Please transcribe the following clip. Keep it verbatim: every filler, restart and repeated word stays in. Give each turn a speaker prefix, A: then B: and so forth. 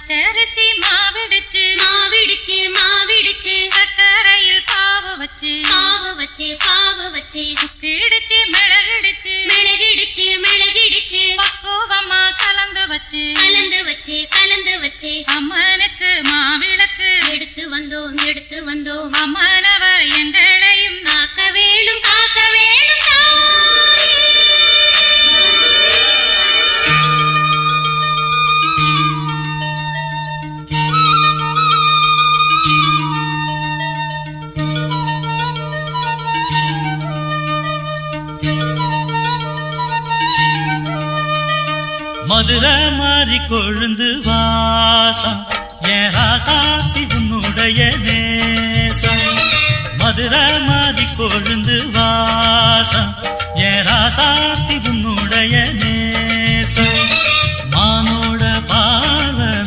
A: பச்சரிசி மாவிடுச்சு
B: மாவிடுச்சு மாவிடுச்சு
A: சக்கரையில் பாவு வச்சு
B: பாவு வச்சு பாவு வச்சு
A: சுக்கிடுச்சு மிளகிடுச்சு
B: மிளகிடுச்சு மிளகிடுச்சு
A: பக்குவமா கலந்து வச்சு
B: கலந்து வச்சு கலந்து வச்சு
A: அம்மனுக்கு மாவிளக்கு
B: எடுத்து வந்தோம் எடுத்து வந்தோம்
A: அம்மனவ எங்களையும்
B: காக்க வேணும் காக்க வேணும் தாயே.
C: மதுரை மாறி கொழுந்து வாசம் என் ராசாத்தி உன்னுடைய நேசம். மதுரை மாறி கொழுந்து வாசம் என் ராசாத்தி உன்னுடைய நேசம். மானோ